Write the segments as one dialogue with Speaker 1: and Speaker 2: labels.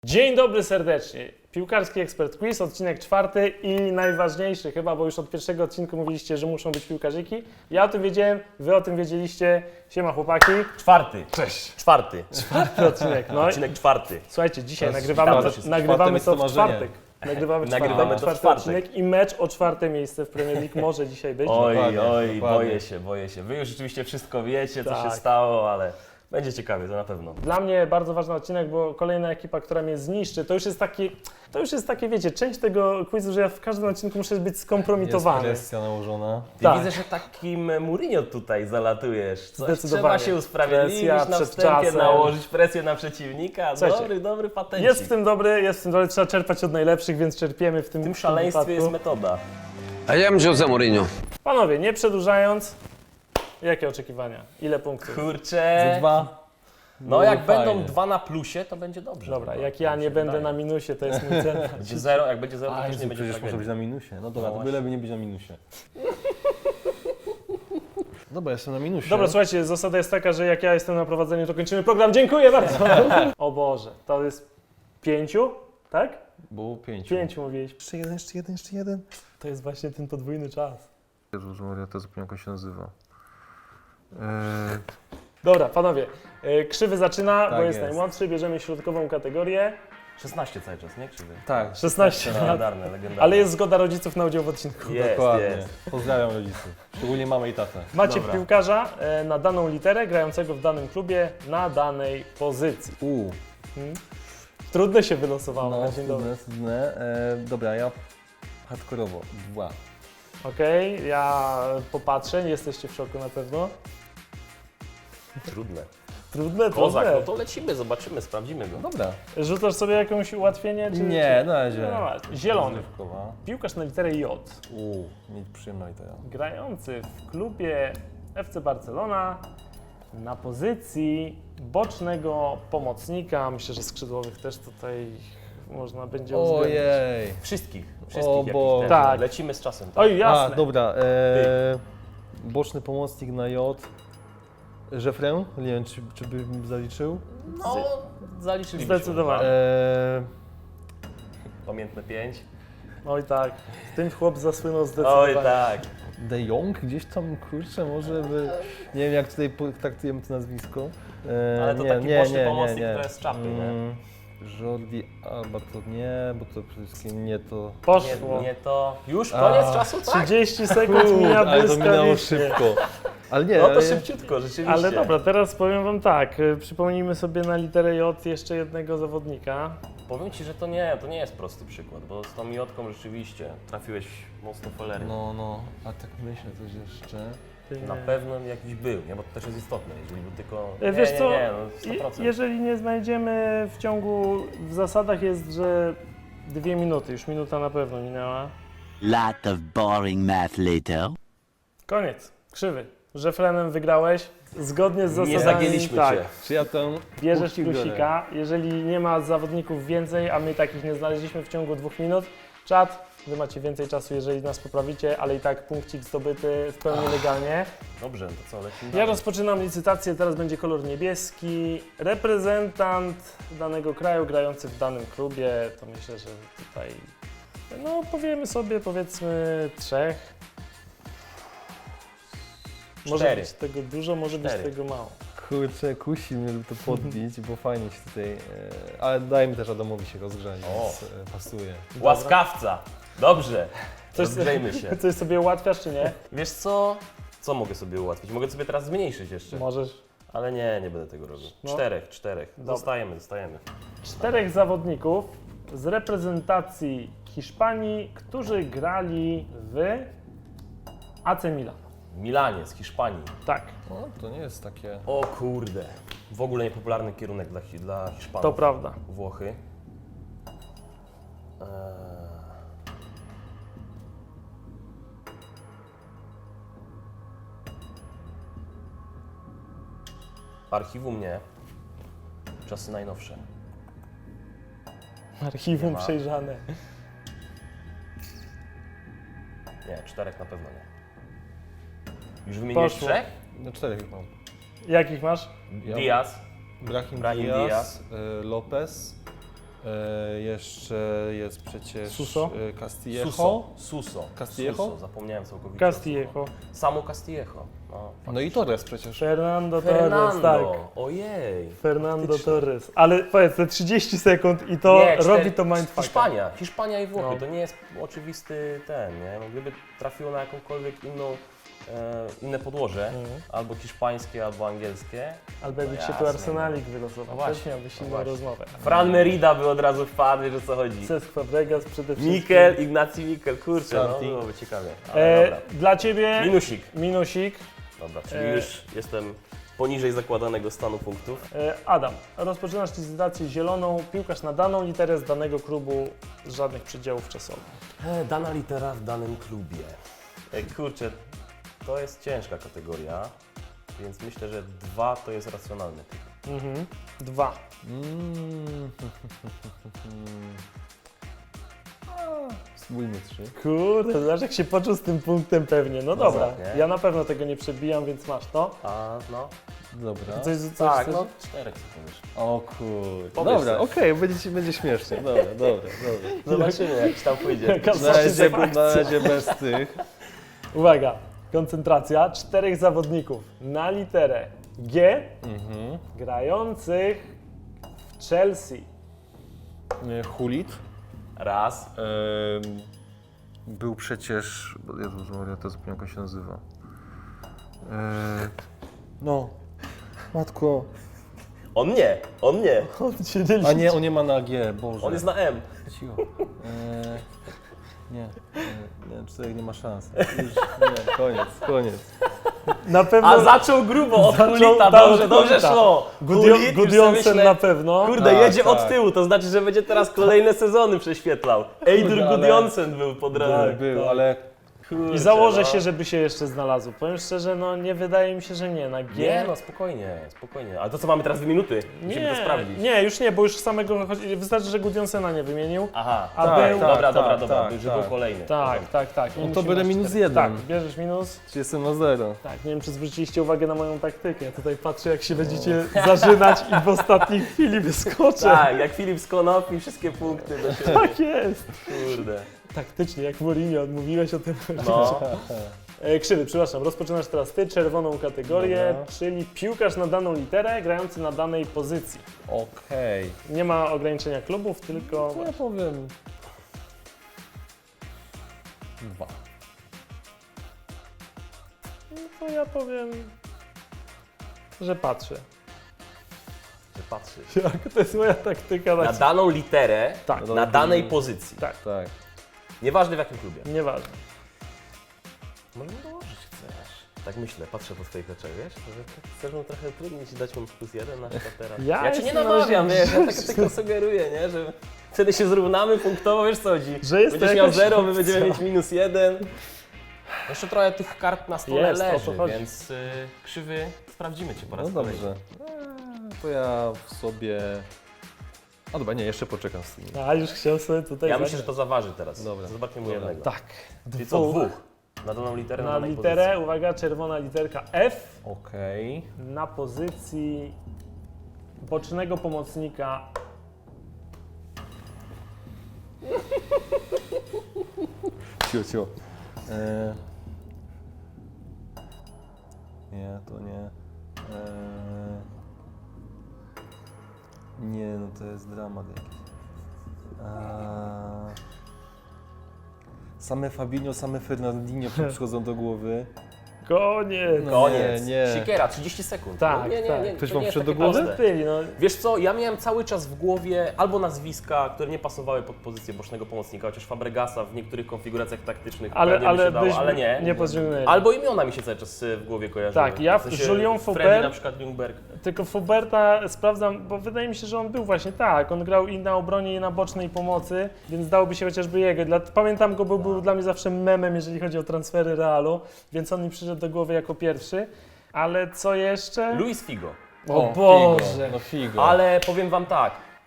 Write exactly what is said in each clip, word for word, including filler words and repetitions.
Speaker 1: Dzień dobry serdecznie. Piłkarski Ekspert Quiz, odcinek czwarty i najważniejszy chyba, bo już od pierwszego odcinku mówiliście, że muszą być piłkarzyki. Ja o tym wiedziałem, wy o tym wiedzieliście. Siema chłopaki.
Speaker 2: Czwarty.
Speaker 1: Cześć.
Speaker 2: Czwarty.
Speaker 1: Czwarty odcinek. No
Speaker 2: Odcinek czwarty.
Speaker 1: Słuchajcie, dzisiaj
Speaker 3: To jest
Speaker 1: nagrywamy
Speaker 3: czwarty,
Speaker 1: to,
Speaker 3: jest
Speaker 1: nagrywamy
Speaker 3: czwarty,
Speaker 1: to
Speaker 3: jest
Speaker 1: w
Speaker 3: to marzenie.
Speaker 1: czwartek. Nagrywamy,
Speaker 2: Nagrywamy
Speaker 1: czwartek,
Speaker 2: to w
Speaker 1: czwarty
Speaker 2: czwartek.
Speaker 1: odcinek i mecz o czwarte miejsce w Premier League może dzisiaj być.
Speaker 2: Oj,
Speaker 3: Dokładnie,
Speaker 2: oj,
Speaker 3: dokładnie.
Speaker 2: boję się, boję się. Wy już rzeczywiście wszystko wiecie, co
Speaker 1: Tak.
Speaker 2: się stało, ale będzie ciekawie, to na pewno.
Speaker 1: Dla mnie bardzo ważny odcinek, bo kolejna ekipa, która mnie zniszczy, to już jest takie, to już jest takie, wiecie, część tego quizu, że ja w każdym odcinku muszę być
Speaker 3: Jest
Speaker 1: skompromitowany.
Speaker 3: presja nałożona.
Speaker 2: Ty
Speaker 1: Tak.
Speaker 2: widzę, że takim Mourinho tutaj zalatujesz. Coś
Speaker 1: Zdecydowanie.
Speaker 2: trzeba się usprawiedliwić,
Speaker 1: Presja
Speaker 2: na
Speaker 1: przed
Speaker 2: wstępie
Speaker 1: czasem.
Speaker 2: nałożyć presję na przeciwnika.
Speaker 1: Słuchajcie,
Speaker 2: Dobry, dobry patencik.
Speaker 1: Jest w tym dobry, jest w tym dobry, trzeba czerpać od najlepszych, więc czerpiemy w tym
Speaker 2: W tym szaleństwie
Speaker 1: wypadku.
Speaker 2: jest metoda.
Speaker 4: I am Jose Mourinho.
Speaker 1: Panowie, nie przedłużając, jakie oczekiwania? Ile punktów?
Speaker 2: Kurczę.
Speaker 3: Ze dwa.
Speaker 2: No
Speaker 3: byłoby
Speaker 2: jak będą
Speaker 3: fajnie.
Speaker 2: dwa na plusie, to będzie dobrze.
Speaker 1: Dobra,
Speaker 2: chyba.
Speaker 1: jak ja
Speaker 2: Tak mi
Speaker 1: nie
Speaker 2: się
Speaker 1: będę
Speaker 2: wydaje.
Speaker 1: na minusie, to jest mój cel.
Speaker 2: Będzie zero, jak będzie zero, to
Speaker 3: A,
Speaker 2: też
Speaker 3: Jezu,
Speaker 2: nie będzie
Speaker 3: przecież może być
Speaker 2: tragedii.
Speaker 3: na minusie. No dobra,
Speaker 2: No
Speaker 3: to byleby nie być na minusie. Dobra, jestem na minusie.
Speaker 1: Dobra, słuchajcie, zasada jest taka, że jak ja jestem na prowadzeniu, to kończymy program. Dziękuję bardzo. O Boże, to jest pięciu, tak?
Speaker 3: Było pięć.
Speaker 1: Pięciu mówiłeś.
Speaker 3: Jeszcze jeden, jeszcze jeden, jeszcze jeden.
Speaker 1: To jest właśnie ten podwójny czas.
Speaker 3: Jezus Maria, to zupełnie jak on się nazywa. Eee,
Speaker 1: Dobra, panowie, yy, krzywy zaczyna, bo
Speaker 3: Tak
Speaker 1: jest,
Speaker 3: jest.
Speaker 1: najmłodszy, bierzemy środkową kategorię.
Speaker 2: szesnaście cały czas, nie? Krzywy.
Speaker 3: tak,
Speaker 1: szesnaście lat.
Speaker 2: Legendarne, legendarne.
Speaker 1: Ale jest zgoda rodziców na udział w odcinku.
Speaker 2: Jest,
Speaker 3: dokładnie.
Speaker 2: jest.
Speaker 3: Pozdrawiam rodziców. Szczególnie mamę i tatę.
Speaker 1: Macie
Speaker 2: Dobra.
Speaker 1: piłkarza e, na daną literę, grającego w danym klubie, na danej pozycji.
Speaker 3: Uuu,
Speaker 1: Hmm? Trudne się wylosowało
Speaker 3: no,
Speaker 1: na dzień dobry.
Speaker 3: trudne, trudne. Eee, dobra, ja hardkorowo. Dwa.
Speaker 1: Okej, ja popatrzę, nie jesteście w szoku na pewno.
Speaker 2: Trudne.
Speaker 1: Trudne,
Speaker 2: Kozak,
Speaker 1: trudne.
Speaker 2: no to lecimy, zobaczymy, sprawdzimy go.
Speaker 3: Dobra.
Speaker 1: Rzucasz sobie jakieś ułatwienie? Czy,
Speaker 3: Nie,
Speaker 1: czy...
Speaker 3: na razie.
Speaker 1: No, właśnie. Zielony.
Speaker 3: Rozrywkowa.
Speaker 1: Piłkarz na literę J.
Speaker 3: Uuu, mieć przyjemna litera.
Speaker 1: Grający w klubie F C Barcelona na pozycji bocznego pomocnika. Myślę, że skrzydłowych też tutaj można będzie uwzględnić.
Speaker 3: Ojej.
Speaker 2: Wszystkich,
Speaker 3: O
Speaker 2: wszystkich jakich
Speaker 3: Boże.
Speaker 2: też.
Speaker 1: Tak.
Speaker 2: Lecimy z czasem. Tak?
Speaker 1: Oj, jasne.
Speaker 3: A, dobra. E, boczny pomocnik na J. Żefrę? Nie wiem, czy, czy bym zaliczył.
Speaker 2: No, zaliczyliśmy.
Speaker 1: Zdecydowanie.
Speaker 3: E,
Speaker 2: Pamiętne pięć.
Speaker 1: Oj tak, tym chłop zasłynął zdecydowanie.
Speaker 2: Oj tak.
Speaker 3: De Jong? Gdzieś tam, kurczę, może by... Nie wiem, jak tutaj po- traktujemy to nazwisko. E,
Speaker 2: Ale to
Speaker 3: nie,
Speaker 2: taki
Speaker 3: nie,
Speaker 2: boczny
Speaker 3: nie,
Speaker 2: pomocnik,
Speaker 3: nie, nie.
Speaker 2: to jest z czapy, nie?
Speaker 3: Mm, Jordi Alba to nie, bo to przede wszystkim nie to...
Speaker 1: Poszło.
Speaker 2: Nie, nie to. Już koniec
Speaker 3: A,
Speaker 2: czasu, tak?
Speaker 1: trzydzieści sekund mija
Speaker 3: ale to minęło
Speaker 1: błyskawicznie.
Speaker 3: szybko. Ale nie,
Speaker 2: No to
Speaker 3: ale-
Speaker 2: szybciutko, rzeczywiście.
Speaker 1: Ale dobra, teraz powiem wam tak, y, przypomnijmy sobie na literę J jeszcze jednego zawodnika.
Speaker 2: Powiem Ci, że to nie, to nie jest prosty przykład, bo z tą miotką rzeczywiście trafiłeś mocno polernie.
Speaker 3: No, no, a tak myślę coś jeszcze.
Speaker 2: Na pewno jakiś był, nie? Bo to też jest istotne, jeżeli był tylko...
Speaker 1: E,
Speaker 2: Nie,
Speaker 1: Wiesz
Speaker 2: nie,
Speaker 1: co,
Speaker 2: nie, no sto
Speaker 1: je-
Speaker 2: procent.
Speaker 1: jeżeli nie znajdziemy w ciągu, w zasadach jest, że dwie minuty, już minuta na pewno minęła.
Speaker 5: Lot of boring math later.
Speaker 1: Koniec, krzywy. Żefrenem wygrałeś, zgodnie z zasadami.
Speaker 2: Nie zagięliśmy
Speaker 1: tak,
Speaker 2: Cię.
Speaker 3: Czy ja tę...
Speaker 1: Bierzesz
Speaker 3: punkcik biorę?
Speaker 1: plusika, jeżeli nie ma zawodników więcej, a my takich nie znaleźliśmy w ciągu dwóch minut, czat, wy macie więcej czasu, jeżeli nas poprawicie, ale i tak punkcik zdobyty w pełni legalnie.
Speaker 2: Dobrze, to co, lecimy
Speaker 1: Ja
Speaker 2: dalej.
Speaker 1: rozpoczynam licytację, teraz będzie kolor niebieski. Reprezentant danego kraju grający w danym klubie, to myślę, że tutaj, no powiemy sobie powiedzmy trzech. Może
Speaker 2: Cztery.
Speaker 1: być tego dużo, może być
Speaker 2: Cztery.
Speaker 1: tego mało.
Speaker 3: Kurczę, kusi mnie, żeby to podbić, bo fajnie się tutaj... E, ale dajmy też Adamowi się rozgrzać,
Speaker 2: O.
Speaker 3: więc e, pasuje.
Speaker 2: Łaskawca! Dobrze,
Speaker 1: Coś,
Speaker 2: rozgrzejmy się.
Speaker 1: coś sobie ułatwiasz czy nie?
Speaker 2: Wiesz co? Co mogę sobie ułatwić? Mogę sobie teraz zmniejszyć jeszcze.
Speaker 1: Możesz.
Speaker 2: Ale nie, nie będę tego robił.
Speaker 1: No.
Speaker 2: Czterech, czterech.
Speaker 1: Dobra.
Speaker 2: Zostajemy, zostajemy.
Speaker 1: Czterech zawodników z reprezentacji Hiszpanii, którzy grali w A C Milan.
Speaker 2: Milanie z Hiszpanii.
Speaker 1: Tak,
Speaker 3: No, to nie jest takie...
Speaker 2: O kurde. W ogóle niepopularny kierunek dla, Hi- dla Hiszpanów.
Speaker 1: to prawda.
Speaker 2: Włochy. Eee... Archiwum nie. Czasy najnowsze.
Speaker 1: Archiwum
Speaker 2: Nie ma.
Speaker 1: przejrzane.
Speaker 2: Nie, czterech na pewno nie. Już wymieniłeś
Speaker 1: Poszło.
Speaker 2: trzech?
Speaker 3: No czterech już mam.
Speaker 1: Jakich masz?
Speaker 3: Ja-
Speaker 2: Diaz.
Speaker 3: Brahim,
Speaker 2: Brahim
Speaker 3: Diaz,
Speaker 2: Diaz.
Speaker 3: y, Lopez E, jeszcze jest przecież
Speaker 1: Suso?
Speaker 3: e, Castillejo.
Speaker 2: Suso. Suso.
Speaker 3: Castillejo?
Speaker 2: Suso. Zapomniałem całkowicie.
Speaker 1: Castillejo.
Speaker 2: Samo Castillejo. No,
Speaker 3: No i Torres przecież.
Speaker 1: Fernando Torres,
Speaker 2: Fernando.
Speaker 1: tak.
Speaker 2: Ojej.
Speaker 1: Fernando
Speaker 2: Faktycznie.
Speaker 1: Torres. Ale powiedz, te trzydzieści sekund i to
Speaker 2: Nie, cztery-
Speaker 1: robi to mindfucka.
Speaker 2: Hiszpania, Hiszpania i Włochy,
Speaker 1: No.
Speaker 2: to nie jest oczywisty ten, nie? No, gdyby trafiło na jakąkolwiek inną, e, inne podłoże,
Speaker 1: Mhm.
Speaker 2: albo hiszpańskie, albo angielskie.
Speaker 1: Albo jakby
Speaker 2: No
Speaker 1: się tu
Speaker 2: jasne,
Speaker 1: Arsenalik wylosował,
Speaker 2: No
Speaker 1: też
Speaker 2: właśnie,
Speaker 1: miałbyś
Speaker 2: no
Speaker 1: inną
Speaker 2: właśnie.
Speaker 1: rozmowę.
Speaker 2: Fran Merida by od razu wpadł, wiesz o co chodzi.
Speaker 1: Cesc Fabregas przede wszystkim.
Speaker 2: Mikel, Ignacy Mikel, kurczę, no
Speaker 3: Starting.
Speaker 2: byłoby ciekawie. Ale
Speaker 1: E,
Speaker 2: dobra.
Speaker 1: dla Ciebie
Speaker 2: Minusik.
Speaker 1: minusik.
Speaker 2: Dobra, czyli
Speaker 1: e,
Speaker 2: już jestem poniżej zakładanego stanu punktów.
Speaker 1: E, Adam, rozpoczynasz licytację zieloną, piłkarz na daną literę z danego klubu z żadnych przedziałów czasowych.
Speaker 2: E, dana litera w danym klubie. E, kurczę, to jest ciężka kategoria, więc myślę, że dwa to jest racjonalny typ.
Speaker 1: Mhm. Dwa.
Speaker 3: Mm. Spójmy trzy.
Speaker 1: Kurde, zobacz jak się poczuł z tym punktem pewnie. No dobra,
Speaker 2: nie?
Speaker 1: ja na pewno tego nie przebijam, więc masz to.
Speaker 2: A no,
Speaker 3: Dobra.
Speaker 1: Coś, coś,
Speaker 2: tak,
Speaker 1: coś,
Speaker 2: no czterech co powiesz.
Speaker 3: O kurde.
Speaker 2: Powiedz
Speaker 3: Dobra,
Speaker 2: coś.
Speaker 3: okej, będzie, będzie śmiesznie. Dobra, dobra, dobra.
Speaker 2: Zobaczymy jak ci tam pójdzie.
Speaker 1: Jaka
Speaker 3: Na razie,
Speaker 1: satysfakcja.
Speaker 3: na razie bez tych.
Speaker 1: Uwaga, koncentracja. Czterech zawodników na literę G
Speaker 3: Mhm.
Speaker 1: grających w Chelsea.
Speaker 3: E, Hulit.
Speaker 2: Raz.
Speaker 3: Em, był przecież... Jezus Maria, to zapomniałem jak on się nazywa. E, no. Matko.
Speaker 2: On nie, on nie.
Speaker 1: On się nie
Speaker 3: A nie, on nie ma na G, Boże.
Speaker 2: On jest na M.
Speaker 3: Cicho. E, nie, nie, nie, czterech nie ma szans. Już, nie, koniec, koniec.
Speaker 1: Na pewno.
Speaker 2: A zaczął grubo od
Speaker 1: Zaczął-
Speaker 2: Hulita,
Speaker 1: tak,
Speaker 2: dobrze,
Speaker 1: od
Speaker 2: dobrze
Speaker 1: Hulita.
Speaker 2: szło.
Speaker 1: Gudio,
Speaker 2: Hulit, już sobie
Speaker 1: Gudjonsen
Speaker 2: myślę,
Speaker 1: na pewno.
Speaker 2: Kurde,
Speaker 3: Tak,
Speaker 2: jedzie od
Speaker 3: tak.
Speaker 2: tyłu, to znaczy, że będzie teraz kolejne sezony prześwietlał. Eidur
Speaker 3: Kurde, ale-
Speaker 2: Gudjonsen był po drodze.
Speaker 3: Tak, był, ale
Speaker 2: Kurczę,
Speaker 1: I założę
Speaker 2: no.
Speaker 1: się, żeby się jeszcze znalazł. Powiem szczerze, no nie wydaje mi się, że nie. Na G.
Speaker 2: Nie, no spokojnie, spokojnie. Ale to co, mamy teraz dwie minuty? Musimy to sprawdzić.
Speaker 1: nie, już nie, bo już samego chodzi- wystarczy, że Gudjonsena nie wymienił.
Speaker 2: Aha,
Speaker 1: A
Speaker 2: tak,
Speaker 1: był-
Speaker 2: dobra,
Speaker 3: tak,
Speaker 2: dobra,
Speaker 3: tak,
Speaker 2: dobra,
Speaker 3: tak,
Speaker 2: że
Speaker 3: tak.
Speaker 2: był kolejny.
Speaker 1: Tak, tak, tak. Nie
Speaker 3: No to
Speaker 1: musimy
Speaker 3: będę
Speaker 1: aż
Speaker 3: minus
Speaker 1: cztery.
Speaker 3: jeden.
Speaker 1: Tak, bierzesz minus.
Speaker 3: czy jestem na zero?
Speaker 1: Tak, nie wiem, czy zwróciliście uwagę na moją taktykę. Ja tutaj patrzę, jak się będziecie zażynać i w ostatniej chwili wyskoczę.
Speaker 2: Tak, jak Filip z Konopi, wszystkie punkty do siebie.
Speaker 1: Tak jest.
Speaker 2: Kurde.
Speaker 1: Taktycznie, jak Mourinho, odmówiłeś o tym.
Speaker 2: No,
Speaker 1: E, Krzywy, przepraszam, rozpoczynasz teraz ty czerwoną kategorię,
Speaker 3: Dobra.
Speaker 1: czyli piłkarz na daną literę, grający na danej pozycji.
Speaker 3: Okej.
Speaker 1: Nie ma ograniczenia klubów, tylko...
Speaker 3: To ja powiem... Dwa.
Speaker 1: No to ja powiem, że patrzę.
Speaker 2: że patrzysz.
Speaker 1: Jak to jest moja taktyka na
Speaker 2: Na daną literę,
Speaker 1: Tak,
Speaker 2: na danej pozycji.
Speaker 1: tak,
Speaker 3: Tak.
Speaker 2: Nieważne w jakim klubie.
Speaker 1: nieważne.
Speaker 2: Może dołożyć chcesz. Tak myślę, patrzę po swoich oczach, wiesz? Że tak chcesz mu trochę trudniej ci dać mu plus jeden na przykład teraz.
Speaker 1: Ja
Speaker 2: Ja cię nie
Speaker 1: jestem
Speaker 2: namawiam,
Speaker 1: na
Speaker 2: wiesz,
Speaker 1: razie
Speaker 2: ja tak tylko sugeruję, nie? Że wtedy się zrównamy punktowo, wiesz co chodzi?
Speaker 1: Że jest to
Speaker 2: Będziesz miał
Speaker 1: jakaś
Speaker 2: zero, my
Speaker 1: opcja.
Speaker 2: będziemy mieć minus jeden. Jeszcze trochę tych kart na stole
Speaker 1: Jest, o to
Speaker 2: leży,
Speaker 1: chodzi.
Speaker 2: więc y, krzywy, sprawdzimy cię po raz
Speaker 3: No
Speaker 2: kolejny.
Speaker 3: dobrze. Eee, To ja w sobie... A dobra, nie, jeszcze poczekam z tymi.
Speaker 1: A, już chciał sobie tutaj
Speaker 2: Ja
Speaker 1: zagrać.
Speaker 2: myślę, że to zaważy teraz.
Speaker 3: Dobra.
Speaker 2: Zobaczmy mu
Speaker 3: Dobra.
Speaker 2: jednego.
Speaker 1: Tak.
Speaker 2: Czyli co, dwóch? Na daną literę, na,
Speaker 1: Na
Speaker 2: danej
Speaker 1: literę,
Speaker 2: pozycji.
Speaker 1: uwaga, czerwona literka F
Speaker 3: Okej.
Speaker 1: na pozycji bocznego pomocnika.
Speaker 3: Cio, cio. Eee... Nie, to nie. Eee... Nie, no to jest dramat jakiś. Eee... Same Fabinho, same Fernandinho przychodzą do głowy.
Speaker 1: Koniec.
Speaker 3: No.
Speaker 2: Koniec.
Speaker 3: Nie, nie.
Speaker 2: Siekiera, trzydzieści sekund.
Speaker 1: Tak,
Speaker 2: nie, nie,
Speaker 1: tak.
Speaker 2: nie,
Speaker 3: Ktoś
Speaker 2: to
Speaker 3: wam
Speaker 2: nie jest
Speaker 3: wszedł
Speaker 2: takie
Speaker 3: do głowy?
Speaker 2: proste.
Speaker 1: Byli, no.
Speaker 2: Wiesz co, ja miałem cały czas w głowie albo nazwiska, które nie pasowały pod pozycję bocznego pomocnika, chociaż Fabregasa w niektórych konfiguracjach taktycznych
Speaker 1: Ale,
Speaker 2: pewnie by
Speaker 1: ale
Speaker 2: się dało,
Speaker 1: byśmy
Speaker 2: ale nie.
Speaker 1: nie podciągnęli.
Speaker 2: Albo imiona mi się cały czas y, w głowie kojarzyły.
Speaker 1: Tak, ja
Speaker 2: W sensie
Speaker 1: Julian
Speaker 2: Freddy
Speaker 1: Faubert-
Speaker 2: na przykład Ljungberg.
Speaker 1: Tylko Fuberta sprawdzam, bo wydaje mi się, że on był właśnie tak. On grał i na obronie, i na bocznej pomocy, więc dałoby się chociażby jego. Dla, pamiętam go, bo był dla mnie zawsze memem, jeżeli chodzi o transfery Realu, więc on mi przyszedł do głowy jako pierwszy. Ale co jeszcze?
Speaker 2: Luis Figo.
Speaker 1: O
Speaker 3: Figo,
Speaker 1: Boże!
Speaker 3: no figo.
Speaker 2: Ale powiem wam tak,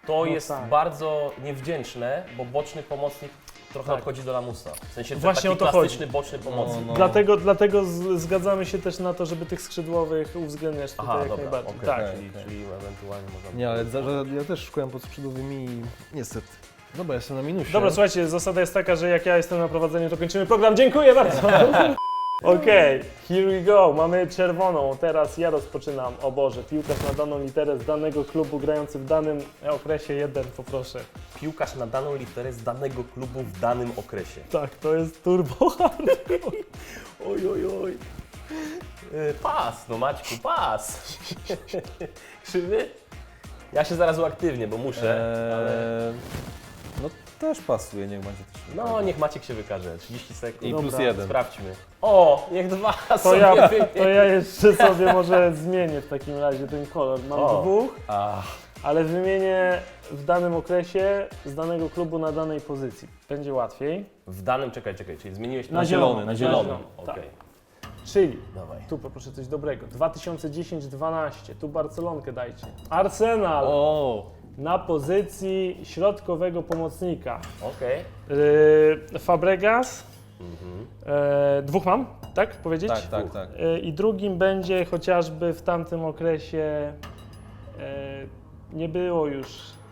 Speaker 2: To
Speaker 1: No
Speaker 2: jest
Speaker 1: tak.
Speaker 2: bardzo niewdzięczne, bo boczny pomocnik trochę
Speaker 1: Tak.
Speaker 2: odchodzi do lamusa. W sensie
Speaker 1: Właśnie
Speaker 2: taki
Speaker 1: o to
Speaker 2: klasyczny
Speaker 1: chodzi.
Speaker 2: boczny pomocnik.
Speaker 3: no.
Speaker 1: Dlatego, dlatego z, zgadzamy się też na to, żeby tych skrzydłowych uwzględniać tutaj
Speaker 2: Aha,
Speaker 1: jak
Speaker 2: dobra,
Speaker 1: najbardziej.
Speaker 2: okej,
Speaker 1: Tak.
Speaker 2: czyli, czyli ewentualnie można...
Speaker 3: Nie, ale za, że ja też szukałem pod skrzydłowymi i niestety. Dobra, jestem na minusie.
Speaker 1: Dobra, słuchajcie, zasada jest taka, że jak ja jestem na prowadzeniu, to kończymy program. Dziękuję bardzo! Okej, here we go. Mamy czerwoną. Teraz ja rozpoczynam. O Boże, piłkarz na daną literę z danego klubu grający w danym okresie. Jeden, poproszę.
Speaker 2: Piłkarz na daną literę z danego klubu w danym okresie.
Speaker 1: Tak, to jest turbo hardcore.
Speaker 2: Oj, oj, oj. Yy, Pas, no Maćku, pas. Krzywy? Ja się zaraz uaktywnię, bo muszę, ale...
Speaker 3: Eee, no też pasuje, niech będzie też.
Speaker 2: No, niech Maciek się wykaże. trzydzieści sekund.
Speaker 3: I
Speaker 1: Dobra.
Speaker 3: plus jeden.
Speaker 2: Sprawdźmy. O, niech dwa
Speaker 1: To
Speaker 2: sobie
Speaker 1: ja,
Speaker 2: wymienię.
Speaker 1: to ja jeszcze sobie może zmienię w takim razie ten kolor. Mam
Speaker 2: O.
Speaker 1: dwóch,
Speaker 2: Ach,
Speaker 1: ale wymienię w danym okresie z danego klubu na danej pozycji. Będzie łatwiej.
Speaker 2: w danym, czekaj, czekaj, czyli zmieniłeś
Speaker 1: Na
Speaker 2: to-
Speaker 1: zielony,
Speaker 2: na zielony.
Speaker 1: na zielony,
Speaker 2: Okej,
Speaker 1: tak. Czyli
Speaker 2: dawaj.
Speaker 1: tu poproszę coś dobrego. dwa tysiące dziesięć dwanaście, tu Barcelonkę dajcie. Arsenal
Speaker 3: O!
Speaker 1: na pozycji środkowego pomocnika.
Speaker 2: Okej.
Speaker 1: Yy, Fabregas.
Speaker 2: Mhm.
Speaker 1: Yy, dwóch mam, tak powiedzieć?
Speaker 3: Tak, tak, tak.
Speaker 1: Yy, I drugim będzie chociażby w tamtym okresie yy, nie było już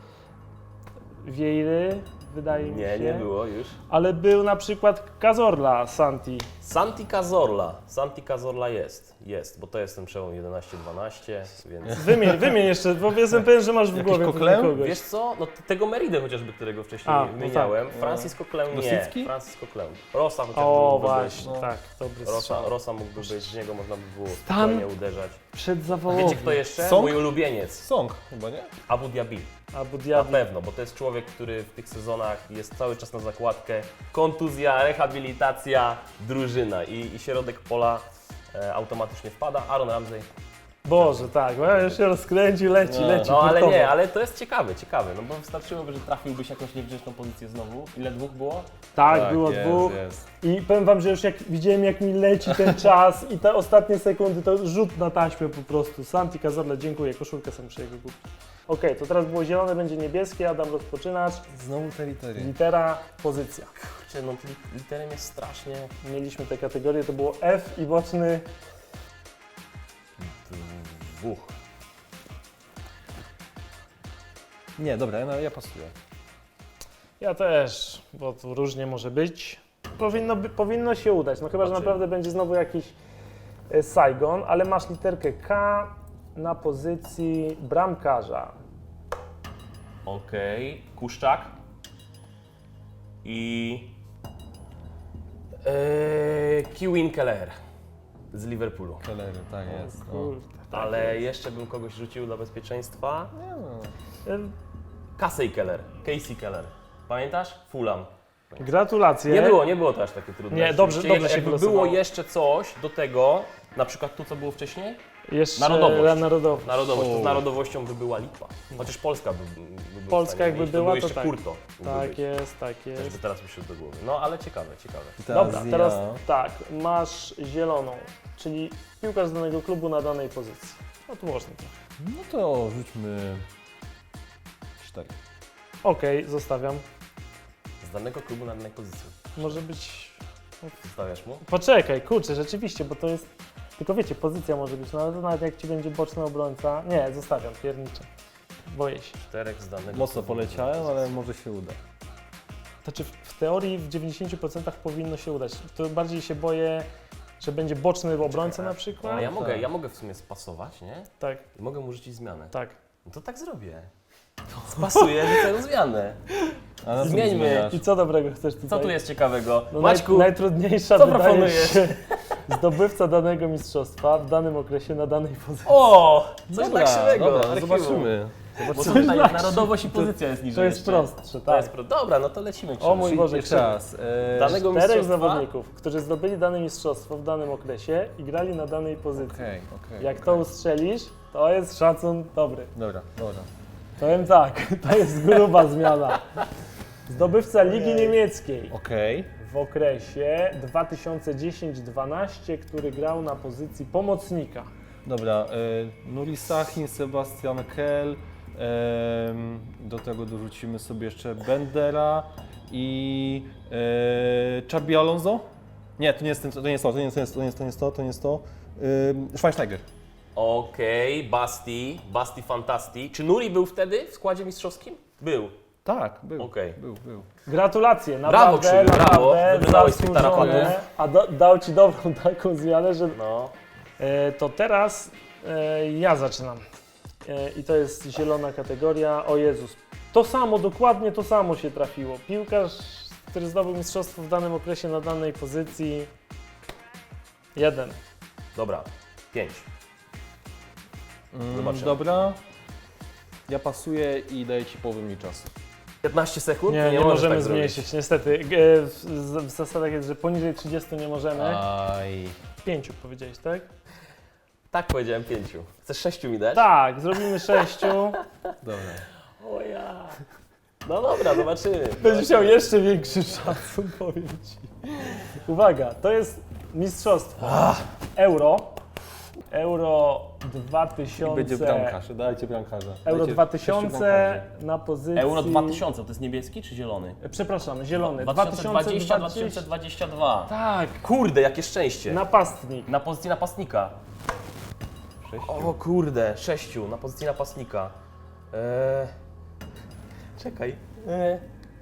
Speaker 1: Vieiry, wydaje mi
Speaker 2: Nie,
Speaker 1: się.
Speaker 2: nie było już.
Speaker 1: Ale był na przykład Cazorla Santi.
Speaker 2: Santi Cazorla. Santi Cazorla jest, jest, bo to jest ten przełom jedenaście dwanaście, więc...
Speaker 1: Wymień, wymień jeszcze, bo jestem pewien, że masz w
Speaker 3: Jakiś
Speaker 1: głowie
Speaker 3: Coquelin?
Speaker 1: kogoś.
Speaker 2: Wiesz co, no t- tego Meridę chociażby, którego wcześniej
Speaker 1: A, no
Speaker 2: wymieniałem,
Speaker 1: tak.
Speaker 2: Francis Coquelin nie,
Speaker 3: Rosicki?
Speaker 2: Francis Coquelin. Rosa chociażby
Speaker 1: O,
Speaker 2: mógłby
Speaker 1: właśnie,
Speaker 2: być.
Speaker 1: tak, dobry
Speaker 2: Rosa,
Speaker 1: strzał.
Speaker 2: Rosa mógłby być, z niego można by było
Speaker 1: Stan?
Speaker 2: spokojnie uderzać.
Speaker 1: Przedzawałowy.
Speaker 2: Wiecie kto jeszcze?
Speaker 3: Song?
Speaker 2: Mój ulubieniec.
Speaker 3: Song chyba, nie?
Speaker 2: Abu Dhabi.
Speaker 1: Abu
Speaker 2: Na
Speaker 1: Dhabi.
Speaker 2: pewno, bo to jest człowiek, który w tych sezonach jest cały czas na zakładkę. Kontuzja, rehabilitacja, drużyna i, i środek pola e, automatycznie wpada. Aaron Ramsey.
Speaker 1: Boże, tak, bo ja już się rozkręcił, leci,
Speaker 3: No,
Speaker 1: leci.
Speaker 2: No ale
Speaker 1: hurtowo.
Speaker 2: nie, ale to jest ciekawe, ciekawe, no bo wystarczyłoby, że trafiłbyś jakąś niewdzięczną pozycję znowu. Ile dwóch było?
Speaker 1: Tak, było
Speaker 3: jest,
Speaker 1: dwóch.
Speaker 3: Jest.
Speaker 1: I powiem wam, że już jak widziałem, jak mi leci ten czas i te ostatnie sekundy, to rzut na taśmę po prostu. Santi Cazorla, dziękuję, koszulkę sobie muszę jego kupić. Okej, to teraz było zielone, będzie niebieskie, Adam rozpoczynasz.
Speaker 3: Znowu te litery.
Speaker 1: Litera, pozycja.
Speaker 2: Kurczę, no li- literem jest strasznie...
Speaker 1: Mieliśmy te kategorie, to było F i boczny.
Speaker 2: Dwóch.
Speaker 3: Nie, dobra, ja, ja pasuję.
Speaker 1: Ja też, bo tu różnie może być. Powinno, by, powinno się udać, no chyba, że
Speaker 2: Znaczy-
Speaker 1: naprawdę będzie znowu jakiś e, Saigon, ale masz literkę K na pozycji bramkarza.
Speaker 2: Okej, Kuszczak. I... Eee, Kewin Keller z Liverpoolu.
Speaker 3: Kelery, tak jest. No.
Speaker 1: Kurde, tak
Speaker 2: Ale
Speaker 1: jest.
Speaker 2: jeszcze bym kogoś rzucił dla bezpieczeństwa.
Speaker 3: Nie no.
Speaker 1: E,
Speaker 2: Casey Keller, Casey Keller. Pamiętasz? Fulham.
Speaker 1: Gratulacje.
Speaker 2: Nie było, nie było to aż takie trudne.
Speaker 1: Nie, dobrze-
Speaker 2: Rzeczywiście,
Speaker 1: dobrze się
Speaker 2: Jakby
Speaker 1: wylosowało.
Speaker 2: było jeszcze coś do tego, na przykład tu co było wcześniej,
Speaker 1: Jeszcze
Speaker 2: Narodowość.
Speaker 1: Narodowość.
Speaker 2: narodowość, to z
Speaker 3: O.
Speaker 2: narodowością by była lipa. Chociaż Polska by, by była
Speaker 1: Polska
Speaker 2: w stanie
Speaker 1: jakby
Speaker 2: mieć,
Speaker 1: była,
Speaker 2: to, był
Speaker 1: to
Speaker 2: jeszcze
Speaker 1: tak.
Speaker 2: Kurto. mógłby
Speaker 1: Tak
Speaker 2: być.
Speaker 1: jest, tak
Speaker 2: Też by
Speaker 1: jest.
Speaker 2: teraz mi się do głowy. No ale ciekawe, ciekawe.
Speaker 3: I teraz
Speaker 1: Dobra,
Speaker 3: ja.
Speaker 1: teraz tak, masz zieloną, czyli piłkarz z danego klubu na danej pozycji. No tu można to.
Speaker 3: No to rzućmy cztery.
Speaker 1: Okej, zostawiam.
Speaker 2: Z danego klubu na danej pozycji.
Speaker 1: Może być...
Speaker 2: Zostawiasz mu?
Speaker 1: Poczekaj, kurczę, rzeczywiście, bo to jest... Tylko wiecie, pozycja może być, no ale to nawet jak ci będzie boczny obrońca... Nie, zostawiam, pierniczę. Boję się.
Speaker 2: Czterech z danego
Speaker 3: Mocno
Speaker 2: klubu na danej
Speaker 3: poleciałem, ale
Speaker 2: pozycji.
Speaker 3: może się uda.
Speaker 1: Znaczy w, w teorii w dziewięćdziesięciu procentach powinno się udać. To bardziej się boję, że będzie boczny obrońca
Speaker 2: Czekaj,
Speaker 1: na przykład.
Speaker 2: A ja mogę,
Speaker 3: Tak.
Speaker 2: ja mogę w sumie spasować, nie?
Speaker 1: Tak,
Speaker 2: I mogę mu rzucić zmianę.
Speaker 1: tak.
Speaker 2: No to tak zrobię. Spasuję, rzucę zmianę.
Speaker 3: A na co
Speaker 2: Zmieńmy.
Speaker 3: zmieniasz?
Speaker 1: I co dobrego chcesz tutaj?
Speaker 2: Co tu jest ciekawego?
Speaker 1: No,
Speaker 2: Maćku,
Speaker 1: naj, najtrudniejsza
Speaker 2: co
Speaker 1: wydaje
Speaker 2: proponujesz?
Speaker 1: się zdobywca danego mistrzostwa w danym okresie na danej pozycji.
Speaker 2: o! Coś
Speaker 3: Dobra,
Speaker 2: tak krzywego.
Speaker 3: dobra,
Speaker 2: archiwum.
Speaker 3: zobaczymy.
Speaker 2: Bo
Speaker 1: Coś
Speaker 2: tutaj
Speaker 1: tak
Speaker 2: narodowość i pozycja jest niżej
Speaker 1: To jest
Speaker 2: jeszcze.
Speaker 1: prostsze,
Speaker 2: To
Speaker 1: tak.
Speaker 2: jest pro... Dobra, no to lecimy.
Speaker 1: O mój
Speaker 2: Krzysiu.
Speaker 1: Boże,
Speaker 3: Jeszcze raz. E,
Speaker 2: Danego
Speaker 1: Czterech
Speaker 2: mistrzostwa?
Speaker 1: zawodników, którzy zdobyli dane mistrzostwo w danym okresie i grali na danej pozycji.
Speaker 3: Okej, okej.
Speaker 1: Jak to ustrzelisz, to jest szacun dobry.
Speaker 3: Dobra, dobra.
Speaker 1: Powiem tak, to jest gruba zmiana. Zdobywca Ligi Niemieckiej
Speaker 3: Okej.
Speaker 1: w okresie dwa tysiące dziesięć dwanaście, który grał na pozycji pomocnika.
Speaker 3: Dobra. E, Nuri Sahin, Sebastian Kell, Em, do tego dorzucimy sobie jeszcze Bendera i e, Xabi Alonso. Nie, to nie jest, ten, to nie jest to, to nie jest, to nie jest, to nie jest to, nie jest to, to nie jest to. Ym, Schweinsteiger.
Speaker 2: Okej, Basti, Basti Fantasti. Czy Nuri był wtedy w składzie mistrzowskim? Był.
Speaker 3: Tak, był,
Speaker 2: Okej.
Speaker 3: był, był.
Speaker 1: Gratulacje,
Speaker 2: Brawo,
Speaker 1: naprawdę,
Speaker 2: Krzywy, brawo.
Speaker 1: naprawdę
Speaker 2: Wybrałeś tych
Speaker 1: zasłużone.
Speaker 2: tarapanów.
Speaker 1: A do, dał Ci dobrą taką zmianę, że
Speaker 2: No.
Speaker 1: e, to teraz e, ja zaczynam. E, I to jest zielona kategoria. O Jezus, to samo, dokładnie to samo się trafiło. Piłkarz, który zdobył mistrzostwo w danym okresie na danej pozycji. Jeden.
Speaker 2: Dobra, pięć.
Speaker 3: Mm,
Speaker 2: Zobaczymy.
Speaker 3: dobra. Ja pasuję i daję Ci połowę mi czasu.
Speaker 2: piętnaście sekund?
Speaker 1: Nie, nie,
Speaker 2: możesz
Speaker 1: możemy
Speaker 2: tak
Speaker 1: zmniejszyć,
Speaker 2: zrobić.
Speaker 1: niestety. E, w, w zasadach jest, że poniżej trzydziestu nie możemy.
Speaker 3: Aj.
Speaker 1: Pięciu powiedziałeś, tak?
Speaker 2: Tak, powiedziałem pięciu. Chcesz sześciu mi dać?
Speaker 1: Tak, zrobimy sześciu.
Speaker 3: Dobra.
Speaker 2: O ja. No dobra, zobaczymy.
Speaker 1: Będziesz miał jeszcze większy szacun, powiem Ci. Uwaga, to jest mistrzostwo Euro. Euro dwa tysiące.
Speaker 3: Będzie bramkarz, dajcie bramkarza.
Speaker 1: Euro
Speaker 3: Dajcie
Speaker 1: dwa
Speaker 3: sześciu
Speaker 1: tysiące
Speaker 3: bramkarzy.
Speaker 1: na pozycji...
Speaker 6: Euro dwa tysiące, to jest niebieski czy zielony?
Speaker 1: Przepraszam, zielony.
Speaker 6: dwa tysiące dwadzieścia dwa tysiące dwadzieścia dwa.
Speaker 1: Tak,
Speaker 2: Kurde, jakie szczęście.
Speaker 1: napastnik.
Speaker 6: Na pozycji napastnika.
Speaker 2: O kurde, sześciu na pozycji napastnika. Eee... Czekaj. Eee...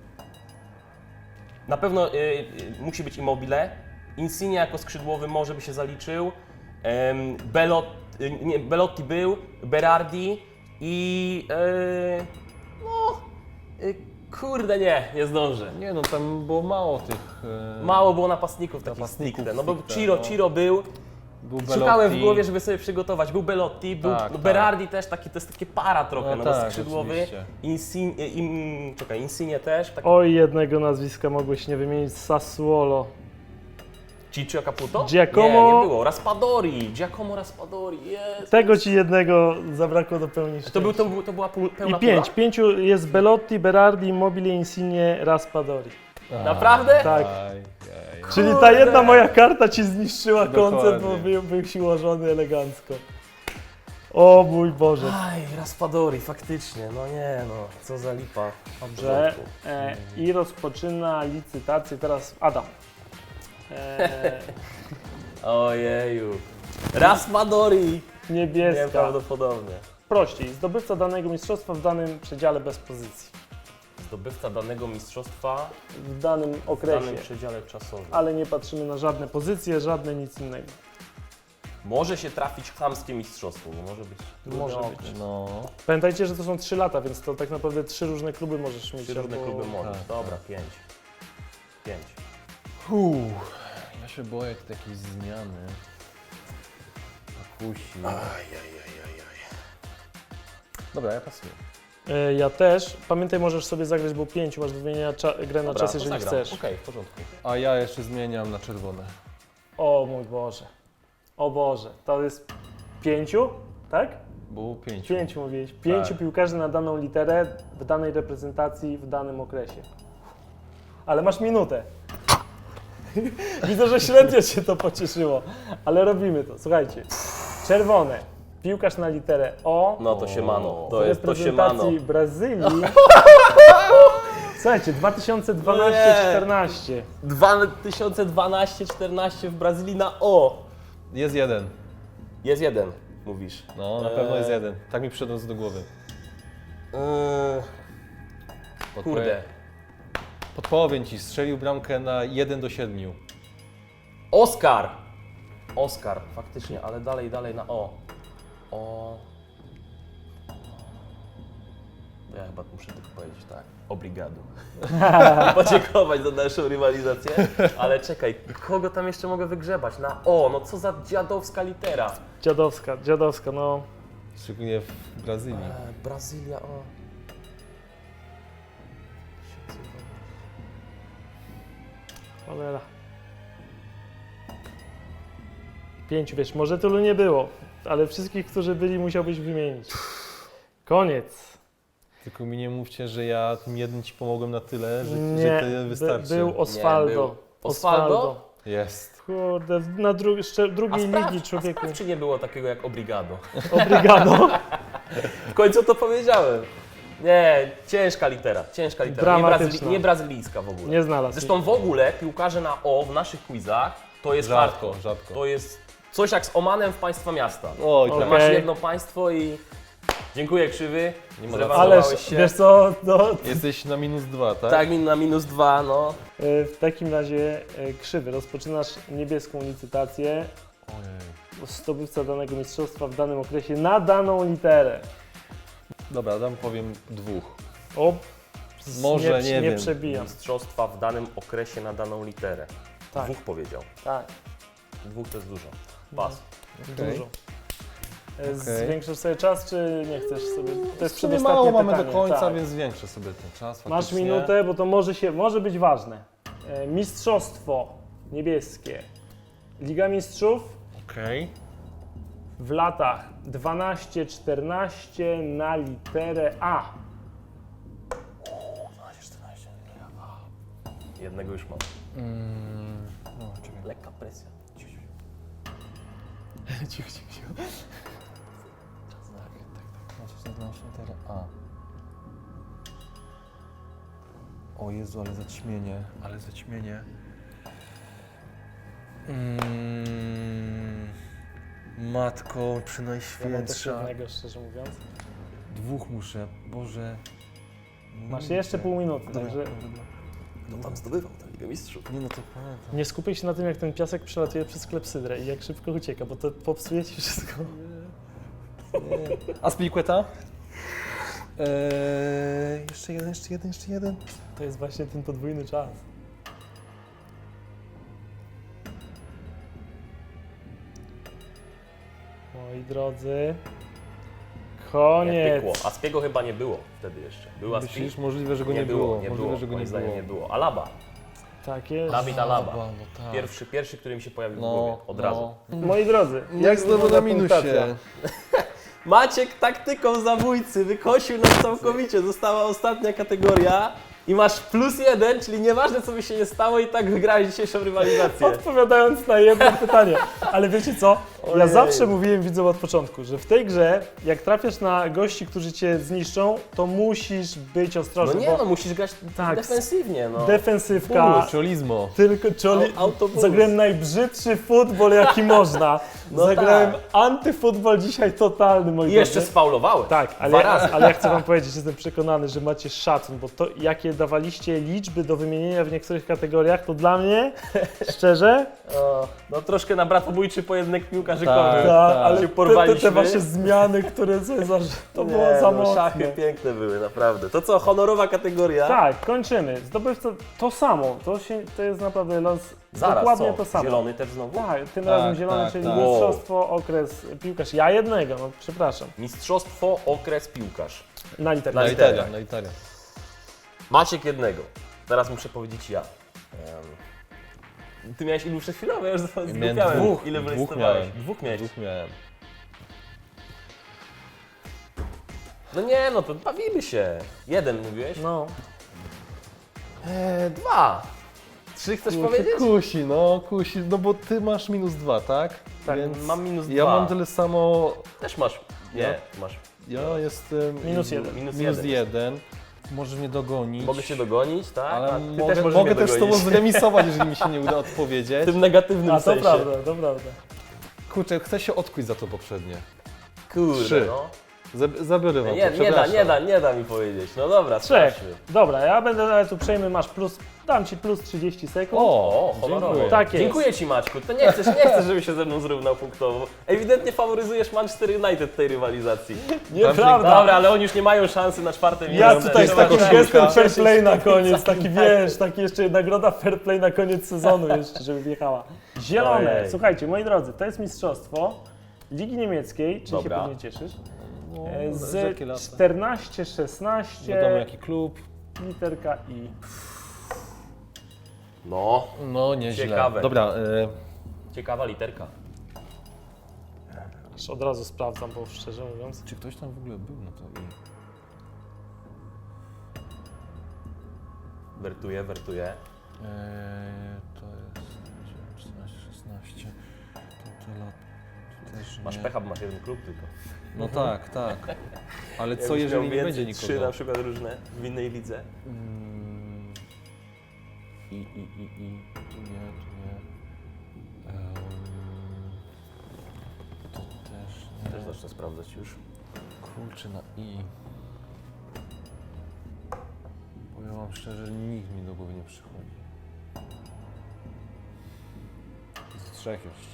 Speaker 2: Na pewno eee, musi być Immobile. Insigne jako skrzydłowy może by się zaliczył. Ehm, Belot, e, nie, Belotti był, Berardi i... Eee... No... E, kurde nie, nie zdążę.
Speaker 3: Nie no, tam było mało tych... e,
Speaker 2: Mało było napastników takich
Speaker 3: Napastników
Speaker 2: stricte. No bo
Speaker 3: stricte,
Speaker 2: Ciro,
Speaker 3: no.
Speaker 2: Ciro był.
Speaker 3: Był
Speaker 2: Szukałem w
Speaker 3: Belotti.
Speaker 2: głowie, żeby sobie przygotować. Był Belotti, był
Speaker 3: Tak,
Speaker 2: no
Speaker 3: tak.
Speaker 2: Berardi też, taki, to jest takie para trochę,
Speaker 3: No
Speaker 2: no, bo
Speaker 3: tak,
Speaker 2: skrzydłowy.
Speaker 3: oczywiście.
Speaker 2: Insigne, im, czekaj, Insigne też. Tak.
Speaker 1: Oj, jednego nazwiska mogłeś nie wymienić, Sassuolo.
Speaker 2: Ciccio Caputo?
Speaker 1: Giacomo-
Speaker 2: Nie, nie było. Raspadori, Giacomo Raspadori, jest.
Speaker 1: Tego Ci jednego zabrakło do pełni
Speaker 2: To, był, to, był, to była pół, pełna
Speaker 1: I pięć.
Speaker 2: pula?
Speaker 1: Pięciu jest Belotti, Berardi, Immobile, Insigne, Raspadori.
Speaker 2: Naprawdę?
Speaker 1: Tak.
Speaker 3: Aj, aj.
Speaker 1: Czyli ta jedna moja karta Ci zniszczyła
Speaker 3: Dokładnie.
Speaker 1: koncept, bo był, był siłożony elegancko. O mój Boże.
Speaker 2: Aj, Raspadori, faktycznie, no nie no, co za lipa.
Speaker 1: Dobrze. E, I rozpoczyna licytację teraz Adam. E,
Speaker 2: Ojeju. Raspadori!
Speaker 1: niebieska.
Speaker 2: Nieprawdopodobnie.
Speaker 1: Prościej. Zdobywca danego mistrzostwa w danym przedziale bez pozycji.
Speaker 2: Zdobywca danego mistrzostwa
Speaker 1: W danym
Speaker 2: w
Speaker 1: okresie.
Speaker 2: danym przedziale czasowym.
Speaker 1: Ale nie patrzymy na żadne pozycje, żadne nic innego.
Speaker 2: Może się trafić chamskie mistrzostwo, bo może być.
Speaker 1: Może
Speaker 2: trudne
Speaker 1: być.
Speaker 2: okres.
Speaker 3: No.
Speaker 1: Pamiętajcie, że to są trzy lata, więc to tak naprawdę trzy różne kluby możesz mieć.
Speaker 2: Trzy różne
Speaker 1: albo-
Speaker 2: kluby możesz.
Speaker 3: tak,
Speaker 2: Dobra, pięć. Pięć.
Speaker 3: Uff, ja się boję tu takiej zmiany. Akusi. Dobra, ja pasuję.
Speaker 1: E, Ja też. Pamiętaj, możesz sobie zagrać, bo pięć masz do wymienienia cza- grę na
Speaker 2: Dobra,
Speaker 1: czas,
Speaker 2: to
Speaker 1: jeżeli
Speaker 2: zagram.
Speaker 1: chcesz.
Speaker 2: Okej, w porządku.
Speaker 3: A ja jeszcze zmieniam na czerwone.
Speaker 1: O mój Boże. O Boże. To jest pięciu, tak?
Speaker 3: Było pięć.
Speaker 1: Pięciu mówiłeś. Pięciu
Speaker 3: Tak.
Speaker 1: piłkarzy na daną literę w danej reprezentacji w danym okresie. Ale masz minutę. Widzę, że średnio Cię to pocieszyło, ale robimy to. Słuchajcie. Czerwone. Piłkarz na literę O.
Speaker 2: No to się mano.
Speaker 1: w
Speaker 2: To jest to się mano.
Speaker 1: reprezentacji Brazylii. Słuchajcie, dwa tysiące dwanaście
Speaker 2: Nie.
Speaker 1: czternaście.
Speaker 2: dwa tysiące dwanaście czternaście w Brazylii na O.
Speaker 3: Jest jeden.
Speaker 2: Jest jeden, mówisz.
Speaker 3: No, na pewno jest
Speaker 2: Eee.
Speaker 3: jeden. Tak mi przyszedł do głowy.
Speaker 2: Eee, kurde.
Speaker 3: Podpowiem ci, strzelił bramkę na jeden do siedmiu.
Speaker 2: Oskar. Oskar, faktycznie, ale dalej, dalej na O. O. Ja chyba muszę tylko powiedzieć tak. Obrigado. Podziękować za naszą rywalizację. Ale czekaj, kogo tam jeszcze mogę wygrzebać? Na O, no co za dziadowska litera.
Speaker 1: Dziadowska, dziadowska, no.
Speaker 3: Szczególnie w Brazylii.
Speaker 2: E, Brazylia, o.
Speaker 1: Cholera. Pięciu, wiesz, może tylu nie było, ale wszystkich, którzy byli, musiałbyś wymienić. Koniec.
Speaker 3: Tylko mi nie mówcie, że ja tym jednym ci pomogłem na tyle, że,
Speaker 1: Nie,
Speaker 3: że tyle
Speaker 1: by,
Speaker 3: wystarczy.
Speaker 1: był Osvaldo.
Speaker 2: Nie, był. Osvaldo?
Speaker 3: Jest.
Speaker 1: Kurde, na dru jeszcze
Speaker 2: A
Speaker 1: drugiej
Speaker 2: sprawdź,
Speaker 1: ligi,
Speaker 2: a
Speaker 1: człowieku.
Speaker 2: sprawdź, czy nie było takiego jak Obrigado.
Speaker 1: Obrigado.
Speaker 2: W końcu to powiedziałem. Nie, ciężka litera, ciężka litera. Nie,
Speaker 1: Dramatyczna.
Speaker 2: brazyli- nie brazylijska w ogóle.
Speaker 1: Nie znalazł.
Speaker 2: Zresztą w ogóle piłkarze na O w naszych quizach to jest
Speaker 3: Rzadko,
Speaker 2: hardcore.
Speaker 3: rzadko.
Speaker 2: To jest coś jak z Omanem w państwa miasta.
Speaker 3: Oj,
Speaker 2: Że
Speaker 3: tak.
Speaker 1: Okej.
Speaker 2: masz jedno państwo i dziękuję krzywy.
Speaker 3: Nie ma
Speaker 2: zrewanżowałeś
Speaker 1: Ależ,
Speaker 2: się.
Speaker 1: wiesz co, no,
Speaker 3: Jesteś na minus dwa, tak?
Speaker 2: Tak, min na minus dwa, no.
Speaker 1: y, w takim razie y, krzywy, rozpoczynasz niebieską licytację.
Speaker 3: Ojej.
Speaker 1: Zdobywca danego mistrzostwa w danym okresie na daną literę.
Speaker 3: Dobra, dam powiem dwóch.
Speaker 1: O, z-
Speaker 3: Może,
Speaker 1: nie,
Speaker 3: nie
Speaker 1: nie
Speaker 3: wiem.
Speaker 1: przebijam.
Speaker 2: Mistrzostwa w danym okresie na daną literę.
Speaker 1: Tak,
Speaker 2: Dwóch powiedział.
Speaker 1: tak,
Speaker 2: Dwóch to jest dużo. Pas.
Speaker 3: Okej.
Speaker 1: dużo. Y,
Speaker 3: Okej.
Speaker 1: Zwiększasz sobie czas, czy nie chcesz sobie? To jest
Speaker 3: W sumie
Speaker 1: przedostatnie
Speaker 3: mało mamy
Speaker 1: pytanie.
Speaker 3: do końca,
Speaker 1: tak.
Speaker 3: więc zwiększę sobie ten czas.
Speaker 1: Masz
Speaker 3: faktycznie.
Speaker 1: minutę, bo to może, się, może być ważne. E, Mistrzostwo niebieskie. Liga Mistrzów
Speaker 3: Okej.
Speaker 1: w latach dwanaście czternaście na literę A.
Speaker 2: Jednego już mam.
Speaker 3: Mm, no, czekaj.
Speaker 2: Lekka presja.
Speaker 3: Cicho, cicho, cicho. Tak, tak, tak. Znaczy, znaczy literę A. O Jezu, ale zaćmienie. Ale zaćmienie. Mm, matko, przy
Speaker 1: Ja mam też
Speaker 3: Najświętsza.
Speaker 1: jednego, szczerze mówiąc.
Speaker 3: Dwóch muszę, Boże.
Speaker 1: Masz jeszcze pół minuty,
Speaker 3: Dobra,
Speaker 1: także
Speaker 3: dobra, dobra.
Speaker 2: Kto tam zdobywał tę Ligę Mistrzów?
Speaker 3: Nie no, to pamiętam.
Speaker 1: nie skupiaj się na tym, jak ten piasek przelatuje przez klepsydrę i jak szybko ucieka, bo to popsuje ci wszystko.
Speaker 3: A Spiliqueta? Eee, jeszcze jeden, jeszcze jeden, jeszcze jeden.
Speaker 1: To jest właśnie ten podwójny czas. Moi drodzy,
Speaker 2: Nie
Speaker 1: koniec.
Speaker 2: pykło. Aspiego chyba nie było wtedy jeszcze. Był Aspi?
Speaker 3: Myślisz? Możliwe, że go nie,
Speaker 2: Nie było, nie
Speaker 3: Możliwe,
Speaker 2: było.
Speaker 3: że go
Speaker 2: Moim
Speaker 3: nie
Speaker 2: zdaniem
Speaker 3: było.
Speaker 2: nie było. Alaba.
Speaker 1: Tak jest.
Speaker 2: Dawid Alaba.
Speaker 3: No tak.
Speaker 2: Pierwszy, pierwszy, który mi się pojawił w
Speaker 3: No,
Speaker 2: głowie. Od
Speaker 3: no.
Speaker 2: razu.
Speaker 1: Moi drodzy,
Speaker 3: Jak znowu
Speaker 1: wygląda
Speaker 3: na minusie.
Speaker 1: punktacja?
Speaker 2: Maciek taktyką zabójcy wykosił nas całkowicie. Została ostatnia kategoria i masz plus jeden, czyli nieważne co by się nie stało i tak wygrałeś dzisiejszą rywalizację.
Speaker 1: Odpowiadając na jedno pytanie. Ale wiecie co? Ja
Speaker 2: Ojej.
Speaker 1: zawsze mówiłem widzom od początku, że w tej grze, jak trafiasz na gości, którzy cię zniszczą, to musisz być
Speaker 2: No
Speaker 1: ostrożny,
Speaker 2: nie
Speaker 1: bo
Speaker 2: no, musisz grać
Speaker 1: Tak.
Speaker 2: defensywnie no.
Speaker 1: defensywka,
Speaker 3: Czolismo.
Speaker 1: tylko czoli...
Speaker 2: Au- autobus.
Speaker 1: Zagrałem najbrzydszy futbol, jaki można.
Speaker 2: No
Speaker 1: Zagrałem
Speaker 2: tak.
Speaker 1: antyfutbol dzisiaj totalny, moi
Speaker 2: I jeszcze
Speaker 1: drodzy.
Speaker 2: sfaulowałeś.
Speaker 1: Tak, ale,
Speaker 2: Dwa razy.
Speaker 1: ale ja chcę wam powiedzieć, jestem przekonany, że macie szacun, bo to jakie dawaliście liczby do wymienienia w niektórych kategoriach, to dla mnie, szczerze,
Speaker 2: O, no troszkę na bratobójczy pojedynek piłkarzykowy.
Speaker 3: Tak.
Speaker 1: tak, ale
Speaker 2: się
Speaker 1: te, te,
Speaker 2: porwaliśmy.
Speaker 1: te wasze zmiany, które Cezar, to
Speaker 2: Nie,
Speaker 1: było za
Speaker 2: no,
Speaker 1: mocne.
Speaker 2: szachy piękne były, naprawdę. To co, honorowa kategoria?
Speaker 1: Tak, kończymy. Zdobywca to samo, to, się, to jest naprawdę los,
Speaker 2: Zaraz,
Speaker 1: dokładnie
Speaker 2: co?
Speaker 1: to samo.
Speaker 2: Zielony też znowu?
Speaker 1: Tak, tym
Speaker 3: Tak,
Speaker 1: razem zielony,
Speaker 3: tak,
Speaker 1: czyli
Speaker 3: tak.
Speaker 1: mistrzostwo, okres, piłkarz. Ja jednego, no przepraszam.
Speaker 2: Mistrzostwo, okres, piłkarz.
Speaker 1: Na literę.
Speaker 2: Na
Speaker 3: Na
Speaker 2: literę.
Speaker 3: Italia, na Italia.
Speaker 2: Maciek jednego. Teraz muszę powiedzieć ja. Em, Ty miałeś ilu przed chwilą? Ja już
Speaker 3: Miałem
Speaker 2: zgubiałem.
Speaker 3: dwóch.
Speaker 2: Ile
Speaker 3: Dwóch
Speaker 2: wylistowałeś?
Speaker 3: miałem.
Speaker 2: Dwóch miałeś.
Speaker 3: Dwóch miałem.
Speaker 2: No nie, no to bawimy się. Jeden mówiłeś?
Speaker 1: No,
Speaker 2: Eee, dwa. Trzy chcesz
Speaker 3: Kurczę,
Speaker 2: powiedzieć?
Speaker 3: Kusi, no kusi, no bo ty masz minus dwa, tak?
Speaker 1: Tak,
Speaker 2: mam minus
Speaker 3: Ja
Speaker 2: dwa.
Speaker 3: mam tyle samo,
Speaker 2: Też masz. Nie, masz.
Speaker 3: ja jestem...
Speaker 1: Minus jeden.
Speaker 2: Minus
Speaker 3: Minus
Speaker 2: jeden.
Speaker 3: jeden. Możesz mnie dogonić.
Speaker 2: Mogę cię dogonić, tak?
Speaker 3: Ale
Speaker 2: A ty
Speaker 3: mogę
Speaker 2: też możesz
Speaker 3: mogę
Speaker 2: mnie
Speaker 3: też z tobą
Speaker 2: dogonić.
Speaker 3: zremisować, jeżeli mi się nie uda odpowiedzieć.
Speaker 2: W tym negatywnym
Speaker 1: a to
Speaker 2: sensie.
Speaker 1: prawda, to prawda.
Speaker 3: Kurczę, chcę się odkuć za to poprzednie.
Speaker 2: Kurde,
Speaker 3: Trzy.
Speaker 2: no.
Speaker 3: Zab- Zabiorę wam
Speaker 2: Nie,
Speaker 3: to,
Speaker 2: nie da,
Speaker 3: przepraszam.
Speaker 2: nie da, nie da mi powiedzieć. No dobra,
Speaker 1: Trzech.
Speaker 2: sprawdźmy.
Speaker 1: Dobra, ja będę ale tu przejmy, masz plus, dam ci plus trzydzieści sekund.
Speaker 2: O, honorowo.
Speaker 3: dziękuję.
Speaker 1: Tak jest.
Speaker 2: Dziękuję ci Maćku. To nie chcesz, nie chcesz, żeby się ze mną zrównał punktowo. Ewidentnie faworyzujesz Manchester United w tej rywalizacji.
Speaker 1: Nieprawda.
Speaker 2: Dobra, ale oni już nie mają szansy na czwarte miejsce.
Speaker 1: Ja tutaj z
Speaker 2: Trzeba
Speaker 1: takim
Speaker 2: się
Speaker 1: gestem
Speaker 2: cieszyć.
Speaker 1: fair play na koniec, taki wiesz, taki jeszcze nagroda fair play na koniec sezonu jeszcze, żeby wjechała. Zielone,
Speaker 2: Ojej.
Speaker 1: słuchajcie, moi drodzy, to jest mistrzostwo Ligi Niemieckiej, czyli
Speaker 2: Dobra.
Speaker 1: się pewnie cieszysz.
Speaker 3: No,
Speaker 1: E,
Speaker 3: z
Speaker 1: Z
Speaker 3: jakie lata?
Speaker 1: czternaście szesnaście,
Speaker 3: Wiadomo jaki klub.
Speaker 1: literka I.
Speaker 2: No,
Speaker 3: No nieźle.
Speaker 2: Ciekawe.
Speaker 3: Dobra, e,
Speaker 2: ciekawa literka.
Speaker 1: Aż od razu sprawdzam, bo szczerze mówiąc.
Speaker 3: czy ktoś tam w ogóle był na to i...
Speaker 2: Wertuję, wertuję.
Speaker 3: E, to jest czternaście szesnaście. To te lat... Też
Speaker 2: Masz
Speaker 3: nie.
Speaker 2: pecha, bo masz jeden klub tylko.
Speaker 3: No tak, tak. Ale co
Speaker 2: Jakbyś
Speaker 3: jeżeli
Speaker 2: miał
Speaker 3: nie
Speaker 2: więcej,
Speaker 3: będzie
Speaker 2: Trzy
Speaker 3: nikogo?
Speaker 2: na przykład różne w innej lidze.
Speaker 3: Mm. I, i, i, i. Tu nie, tu nie. Ehm. To też nie.
Speaker 2: Też zacznę sprawdzać już.
Speaker 3: Kurczę, na i. Powiem wam szczerze, nikt mi do głowy nie przychodzi. Z trzech jeszcze.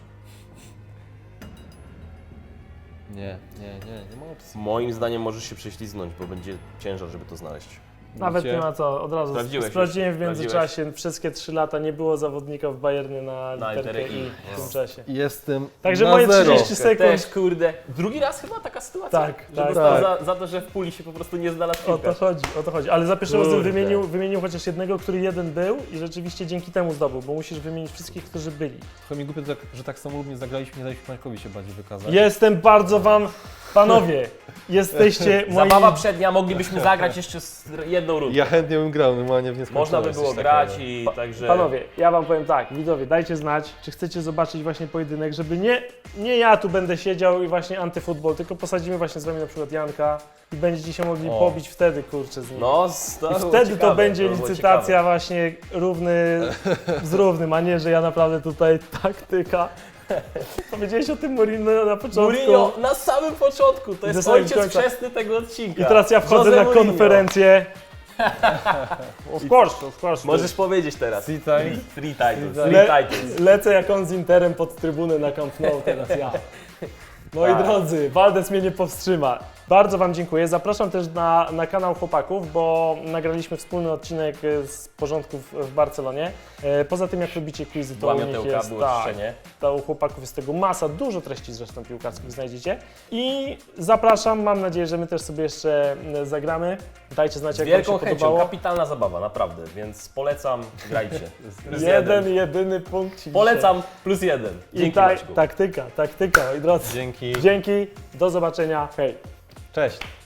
Speaker 3: Nie, nie, nie, nie ma opcji.
Speaker 2: Moim zdaniem możesz się prześlizgnąć, bo będzie ciężar, żeby to znaleźć.
Speaker 1: Nawet
Speaker 3: Widzicie?
Speaker 1: nie ma co, od razu
Speaker 2: Sprawdziłeś
Speaker 1: sprawdziłem
Speaker 2: już,
Speaker 1: w międzyczasie, wszystkie trzy lata nie było zawodnika w Bayernie na
Speaker 2: Na
Speaker 1: literkę
Speaker 2: literę
Speaker 1: I
Speaker 2: I.
Speaker 1: w tym czasie.
Speaker 3: Jestem
Speaker 1: Także
Speaker 3: na
Speaker 1: moje
Speaker 3: zero.
Speaker 1: trzydzieści sekund.
Speaker 2: Też, kurde. Drugi raz chyba taka sytuacja?
Speaker 1: Tak,
Speaker 2: że
Speaker 1: tak,
Speaker 2: dostał
Speaker 3: tak.
Speaker 2: Za, za to, że w puli się po prostu nie znalazł
Speaker 1: O to
Speaker 2: piłkarz.
Speaker 1: chodzi, o to chodzi. Ale za pierwszym razem
Speaker 2: Kurde.
Speaker 1: wymienił, wymienił chociaż jednego, który jeden był i rzeczywiście dzięki temu zdobył, bo musisz wymienić wszystkich, którzy byli.
Speaker 3: Trochę mi głupio, że tak- że tak samolubnie zagraliśmy, nie daliśmy Markowi się bardziej wykazać.
Speaker 1: Jestem bardzo wam, panowie, jesteście moi...
Speaker 2: Zabawa przednia, moglibyśmy zagrać jeszcze z jedną rundę.
Speaker 3: Ja chętnie bym grał, normalnie w nieskończoność.
Speaker 2: Można by było
Speaker 3: coś
Speaker 2: grać
Speaker 3: takiego.
Speaker 2: i także...
Speaker 1: Panowie, ja wam powiem tak, widzowie, dajcie znać, czy chcecie zobaczyć właśnie pojedynek, żeby nie, nie ja tu będę siedział i właśnie antyfutbol, tylko posadzimy właśnie z wami na przykład Janka i będziecie się mogli
Speaker 2: O.
Speaker 1: pobić wtedy, kurczę, z nim.
Speaker 2: No, to
Speaker 1: I
Speaker 2: było
Speaker 1: wtedy
Speaker 2: ciekawe,
Speaker 1: to będzie
Speaker 2: było
Speaker 1: licytacja
Speaker 2: ciekawe.
Speaker 1: właśnie równy z równym, a nie, że ja naprawdę tutaj taktyka. Powiedziałeś o tym Mourinho na początku.
Speaker 2: Mourinho na samym początku, to
Speaker 1: I
Speaker 2: jest
Speaker 1: do samego
Speaker 2: ojciec
Speaker 1: końca.
Speaker 2: chrzestny tego odcinka.
Speaker 1: I teraz ja wchodzę
Speaker 2: Jose
Speaker 1: na
Speaker 2: Mourinho.
Speaker 1: konferencję. Of course, of course.
Speaker 2: Możesz powiedzieć teraz.
Speaker 3: Three times.
Speaker 2: Three, three titles.
Speaker 3: Le-
Speaker 2: Three titles.
Speaker 1: Lecę jak on z Interem pod trybunę na Camp Nou teraz ja. Moi
Speaker 2: Tak.
Speaker 1: drodzy, Waldes mnie nie powstrzyma. Bardzo wam dziękuję. Zapraszam też na, na kanał chłopaków, bo nagraliśmy wspólny odcinek z porządków w Barcelonie. E, Poza tym jak lubicie quizy, to
Speaker 2: Była
Speaker 1: u nich
Speaker 2: miotełka,
Speaker 1: jest,
Speaker 2: było
Speaker 1: tak,
Speaker 2: czyszczenie.
Speaker 1: to u chłopaków jest tego masa, dużo treści zresztą piłkarskich znajdziecie. I zapraszam, mam nadzieję, że my też sobie jeszcze e, zagramy. Dajcie znać,
Speaker 2: Z
Speaker 1: jak wam
Speaker 2: wielką
Speaker 1: się
Speaker 2: chęcią,
Speaker 1: podobało.
Speaker 2: kapitalna zabawa, naprawdę, więc polecam, grajcie. Plus
Speaker 1: Jeden, jedyny punkt. dzisiaj.
Speaker 2: Polecam, plus jeden.
Speaker 1: I
Speaker 2: Dzięki
Speaker 1: tak,
Speaker 2: Maćku.
Speaker 1: taktyka, taktyka, moi drodzy.
Speaker 3: Dzięki.
Speaker 1: Dzięki, do zobaczenia, hej.
Speaker 3: Cześć.